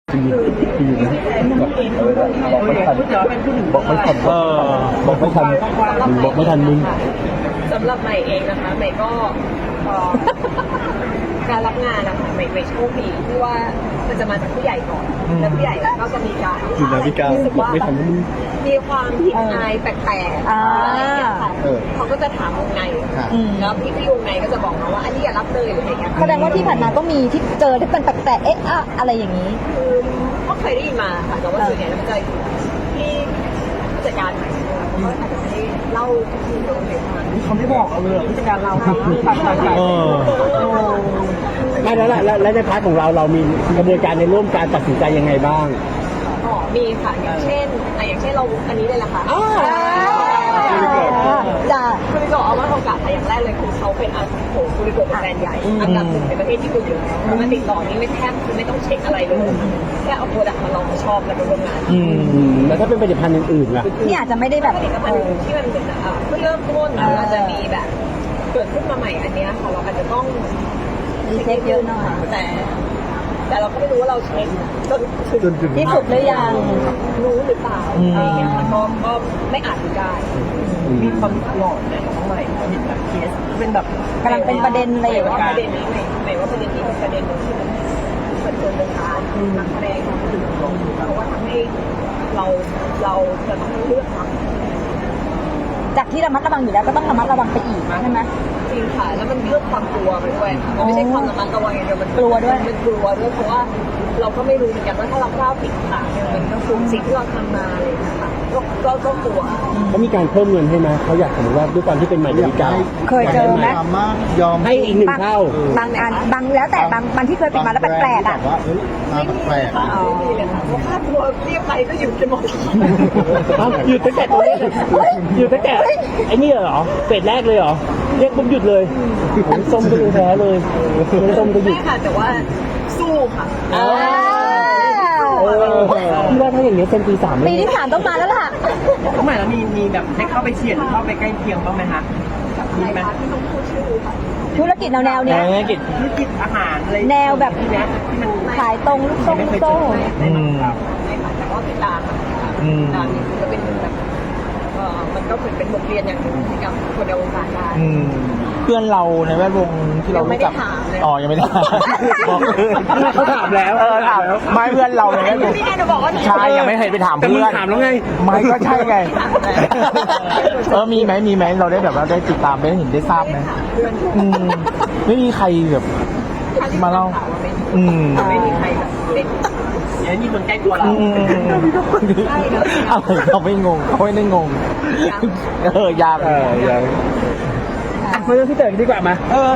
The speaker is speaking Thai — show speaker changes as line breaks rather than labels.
คือบอกไม่ทันบอกไม่ทันมึง
สำหรับใหม่เองนะคะใหม่ก็การรับงานนะคะใหม่โชคดีที่ว่ามันจะมาจากผู้ใหญ่ก่อนแล้วผู้ใหญ่ก็จะมีการรู้สึกว่ามีความผิดอายแปลกๆอะไรอย่างเงี้ยค่ะเขาก็จะถามวงในแล้วพี่วงในก็จะบอกมาว่าอันนี้อย่ารับเลยหรืออะไรเงี้ย
แสดงว่าที่ผ่านมาก็มีที่เจอที่เป็นแปลกๆอะไรอย่างนี้
คือก็เคยได้ยินมาค่ะแต่ว่าส่วนใหญ่แล้วมันจะที่ผู้จัดการใหม่เขาอาจจะไม่ได้เล่าที่โรงเรียนมา
เขาไม่บอกเราเลยผู้จัดการเราต่าง
ไม่แล้วในพาร์ทของเรามีกระบวนการในร่วมการตัดสินใจยังไงบ้าง
มีค่ะอย่างเช่นเราอันนี้เลยล่ะค่ะ
จ้า
คุริโกะเอามาโอกาสอย่างแรกเลยคือเขาเป็นคุริโกะเป็นแบรนด์ใหญ่อันดับหนึ่งในประเทศที่คุณอยู่มาติดต่อนี่ไม่แทบคือไม่ต้องเช็คอะไรเลยแค่เอาโปรดักต์มาลองชอบแล้วก็ร่วมงาน
แล้วถ้าเป็นผลิตภัณฑ์อื่นๆล่ะ
ที่อาจจะไม่ได้แบบ
ผลิตภัณฑ์อื่นที่มันเป็นเพื่อเริ่มต้นอาจจะมีแบบเกิดขึ้นมาใหม่อันนี้ค่ะเราอาจจะต้อง
เช็คเยอะหน่อย
แต่เราก็ไม่รู้ว่าเราเช็ค
จนที่สุดหรือยัง
รู้หรือเปล่าอะไรเงี้ยก็ไม่อาจจะได้
มีความหลอนในของใหม่เห็นแบบเคสเป็นแบบ
กำลังเป็นประเด็นอะไรอย่างเงี้ย
ประเด็นนี้หมายว่าประเด็นนี้เป็นประเด็นนึงที่มันเป็นตัวเดินทางนักแสดงเพราะว่าทำให้เราจะต้องเลือกทำ
จากที่ระมัดระวังอยู่แล้วก็ต้องระมัดระวังไปอีกใช่ไหม
จริงค่ะแล้วมันเรื่องความกลัวไปด้วยมันไม่ใช่ความระมัดระวังอย่างเดียวมัน
กลัวด้วย
มันกลัวด้วยเพราะว่าเราก็ไม่รู้เหมือนกันว่าถ้าเราพลาดผิดพลาดเนี่ยมันก็คือสิ่งที่เราทำมาเลยนะคะก็กลัว
เขามีการเพิ่มเงินให้ไหมเขาอยากสมมติว่าด้วยความที่เป็นใหม่ดาวิกา
เคยเจอไหม
ยอมให้อีก1 เท่า
บางอันบางแล้วแต่บางที่เคยปิดมาแล้วแปลกๆอ่ะ
ไม่มีเลยค่ะไม่มีเลยค่ะเพราะค่าตัวเรียกไปก็อยู่กันหมด
หยุดตั้งแต่ตัวเลขหยุดตั้งแต่ไอ้นี่เหรอเฟสแรกเลยเหรอเรียกปุ๊บหยุดเลยส้มก็ยังแพ้เลยส้มก็หยุด
ไม่ค่ะแต่ว่าสู้ค่ะ
พี่ว่าถ้าอย่างนี้เซนปี 3
ปีที่ 3ต้องมาแล้วล่ะ
ทำไมแล้วมีแบบได้เข้าไปเฉียดเข้าไปใกล้เคียงบ้างไหมคะมีไหม
ธุรกิจแนวเนี้ย
ธุรกิจอาหารอะไร
แนวแบบ
เนี้ยที่มัน
ขายตรงลูกโซ่
ไม่ค่ะแต่ว่าติดตามนี่ก็เป็นแบบมันก็เป็นบทเรียนอย่างหนึ่งให้กับคนในวงการได้
เพื่อนเราในแวดวงที่เรารู้จักอ๋อยังไม่ได้
เขาถามแล้ว
ถามไม่เพื่อนเราในแวดวงใช่ยังไม่เคยไปถามเพื่อน
ถามแล้วไง
ไม่ก็ใช่ไงมีไหมเราได้แบบว่าได้ติดตามได้เห็นได้ทราบไหมไม่มีใครแบบมาเล่า
ไม่มีใครแบบเป็น
อย่างนี้คนใกล้ตัวเรา
เขาไม่งงเขาไม่ได้งงยาก
มาเรื่องที่เต๋อดีกว่ามา